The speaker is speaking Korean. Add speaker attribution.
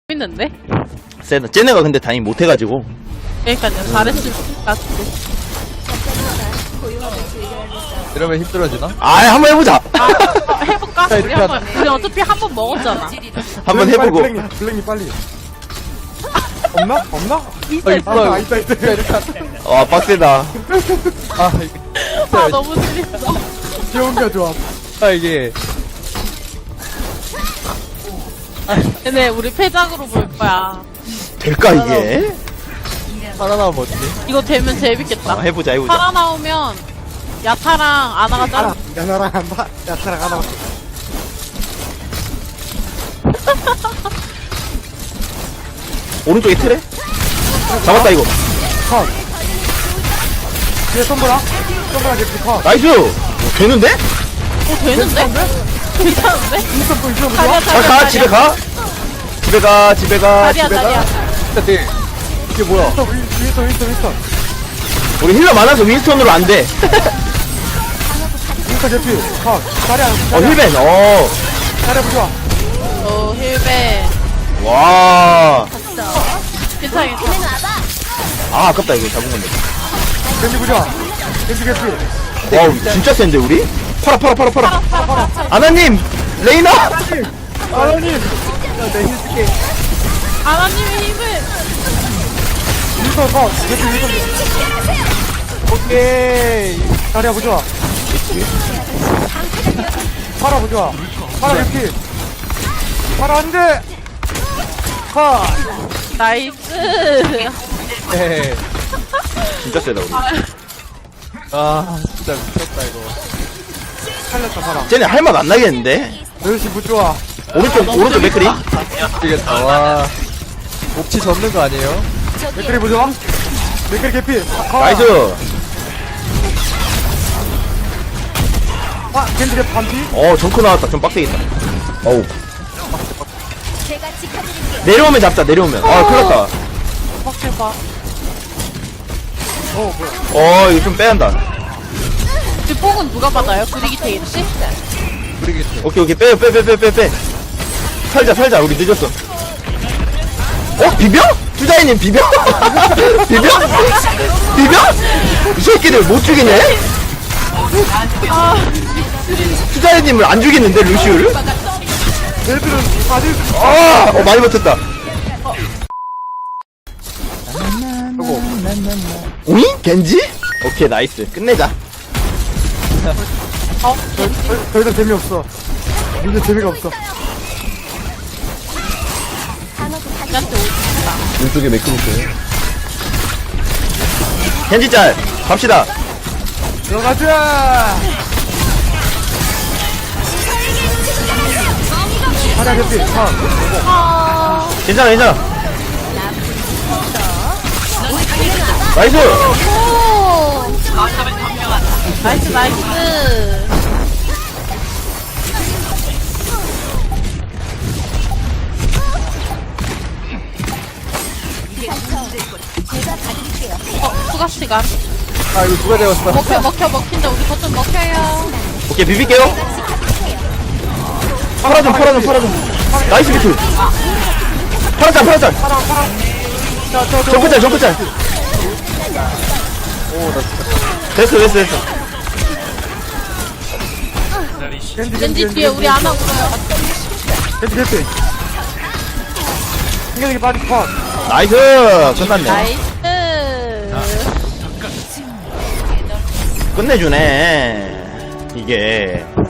Speaker 1: 있는데?
Speaker 2: 쟤네, 쟤네가 근데 다행히 못해가지고.
Speaker 1: 그러니까요. 잘했을 것 같은데.
Speaker 3: 이러면 힘들어지나?
Speaker 2: 아, 한번 해보자.
Speaker 1: 해볼까?
Speaker 3: 자,
Speaker 1: 우리
Speaker 3: 일단-
Speaker 1: 한번. 우리 어차피 한 번 먹었잖아.
Speaker 2: 한번 해보고.
Speaker 4: 블랙님 빨리. 없나? 없나?
Speaker 1: 있어, 있어.
Speaker 4: 아, 있다.
Speaker 2: 와, 빡세다.
Speaker 3: 아, 이게.
Speaker 1: 아, 너무 재밌어.
Speaker 4: 귀여운 게 좋아.
Speaker 3: 아, 이게.
Speaker 1: 근데 우리 패작으로 볼 거야.
Speaker 2: 될까, 이게?
Speaker 3: 살아나면 어떡해?
Speaker 1: 이거 되면 재밌겠다.
Speaker 2: 아, 해보자.
Speaker 1: 살아나오면 야타랑 아나가 짜.
Speaker 4: 야나랑 한다. 야타랑 하나.
Speaker 2: 오른쪽에 틀에? 잡았다, 이거.
Speaker 4: 컷. 뒤에 손보라. 손보라 개피 컷.
Speaker 2: 나이스! 되는데?
Speaker 1: 되는데? 괜찮은데?
Speaker 4: 인스턴 또 인스턴
Speaker 1: 다리야,
Speaker 4: 보자.
Speaker 2: 자, 가, 집에 가. 집에 가, 집에 가,
Speaker 1: 다리야,
Speaker 2: 집에
Speaker 1: 다리야.
Speaker 2: 가.
Speaker 3: 근데, 이게 뭐야?
Speaker 4: 윈스턴.
Speaker 2: 우리 힐러 많아서 윈스턴으로 안 돼.
Speaker 4: 윈스턴 개피 컷. 다리야.
Speaker 2: 힐벤,
Speaker 4: 다리야 보자.
Speaker 1: 오, 힐베.
Speaker 2: 와.
Speaker 1: 괜찮아, 괜찮아.
Speaker 2: 아, 아깝다, 이거 잡은 건데.
Speaker 4: 겐지 보자. 겐지 개피.
Speaker 2: 와우, 진짜 센데, 우리? 팔아. 아나님! 레이나!
Speaker 4: 아나님.
Speaker 1: 아나님의 힘을.
Speaker 4: 윈스턴 컷. 개피 윈스턴.
Speaker 3: 오케이.
Speaker 4: 다리야 보자. 파라 보자. 파라 개피. 파라 안 돼. 컷.
Speaker 1: 나이스.
Speaker 3: 네.
Speaker 2: 진짜 세다, 우리.
Speaker 3: 아, 진짜 미쳤다, 이거.
Speaker 4: 살렸다 파라.
Speaker 2: 쟤네 할 맛 안 나겠는데?
Speaker 4: 멸시 무 좋아.
Speaker 2: 오른쪽 맥크리?
Speaker 3: 미치겠다, 와. 옥치 접는 거 아니에요?
Speaker 4: 맥크리 보자. 맥크리 개피. 컷.
Speaker 2: 나이스!
Speaker 4: 아, 겐지 개피 반피.
Speaker 2: 정크 나왔다. 좀 빡세겠다. 어우. 내려오면 잡자, 내려오면. 큰일
Speaker 1: 막해봐.
Speaker 2: 났다. 이거 좀 빼야 한다.
Speaker 1: 뒷봉은 누가 받아요? 브리기테 있지?
Speaker 3: 모르겠어.
Speaker 2: 오케이. 빼. 살자. 우리 늦었어. 비벼? 투자이님 비벼? 비벼? 이 새끼들 못 죽이네? 투자이님을 안 죽이는데, 루시우를?
Speaker 4: 얘들은 다들
Speaker 2: 많이 버텼다. 오잉? 겐지? 오케이, 나이스. 끝내자.
Speaker 4: 더 이상 재미없어. 이제 재미가 없어.
Speaker 2: 왼쪽에 맥크 있어요. 겐지 짤! 갑시다.
Speaker 4: 들어가자. 하나 개피.
Speaker 2: 괜찮아. 나이스!
Speaker 1: 나이스. 추가 시간.
Speaker 3: 아, 이거 누가 되었어?
Speaker 1: 먹힌다. 우리 거좀 먹혀요.
Speaker 2: 오케이, 비빌게요. 팔아 좀. 나이스 비트. 팔아짤. 정크짤.
Speaker 3: 오, 나 진짜.
Speaker 2: 됐어.
Speaker 1: 왠지 뒤에 우리 안 하고 있어요.
Speaker 4: 겐지 개피. 신경이 빠지 컷.
Speaker 2: 나이스! 끝났네.
Speaker 1: 나이스.
Speaker 2: 끝내주네. 이게.